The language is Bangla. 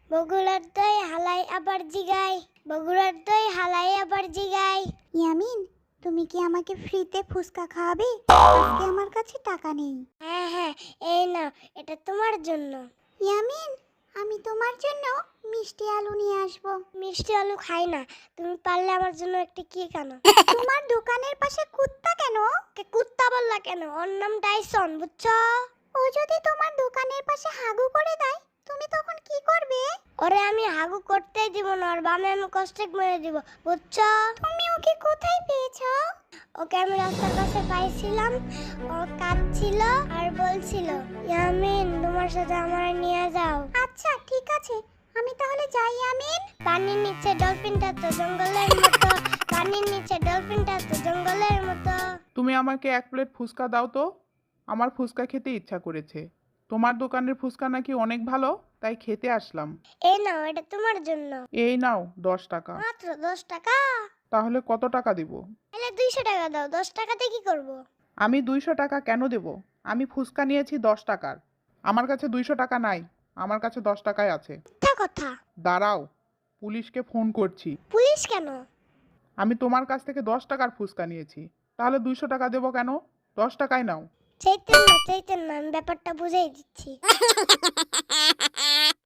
বগুড়ার দই হালাই আবার জিগাই, বগুড়ার দই হালাই আবার জিগাই। ইয়ামিন, তুমি কি আমাকে ফ্রিতে ফুচকা খাওয়াবে? আজকে আমার কাছে টাকা নেই। হ্যাঁ হ্যাঁ, এই নাও, এটা তোমার জন্য। ইয়ামিন, আমি তোমার জন্য মিষ্টি আলু নিয়ে আসবো। মিষ্টি আলু খাই না, তুমি পারলে আমার জন্য একটা কেক আনো। তোমার দোকানের পাশে কুত্তা কেন? কুত্তা বললা কেন? ওর নাম টাইসন, বুঝছো? ও যদি তোমার দোকানের পাশে হাগু করে দেয়, তুমি তখন কি করবে? ওরে আমি হাগু করতেই দিব না, ওর বামে আমি কষ্টেক মেরে দিব, বুঝছো? তুমি ওকে কোথায় পেয়েছো? ওকে আমি রাস্তার কাছে পাইছিলাম, ও কাঁদছিল আর বলছিল, ইয়ামিন তোমার সাথে আমার নিয়ে যাও। আচ্ছা ঠিক আছে, আমি তাহলে যাই। ইয়ামিন, পানির নিচে ডলফিনটা তো জঙ্গলের মতো, পানির নিচে ডলফিনটা তো জঙ্গলের মতো। তুমি আমাকে এক প্লেট ফুচকা দাও তো, আমার ফুচকা খেতে ইচ্ছা করেছে। তোমার দোকানের ফুচকা নাকি অনেক ভালো, তাই খেতে আসলাম। এই নাও, এটা তোমার জন্য। এই নাও 10 টাকা। মাত্র 10 টাকা? তাহলে কত টাকা দিব? তাহলে 200 টাকা দাও, 10 টাকাতে কি করব? আমি 200 টাকা কেন দেব? আমি ফুচকা নিয়েছি 10 টাকার। আমার কাছে 200 টাকা নাই, আমার কাছে 10 টাকাই আছে। মিথ্যা কথা। দাঁড়াও, পুলিশকে ফোন করছি। পুলিশ কেন? আমি তোমার কাছ থেকে 10 টাকার ফুচকা নিয়েছি, তাহলে 200 টাকা দেবো কেন? 10 টাকাই নাও। চাইতেন না, চাইতেন না, আমি ব্যাপারটা বুঝাই দিচ্ছি।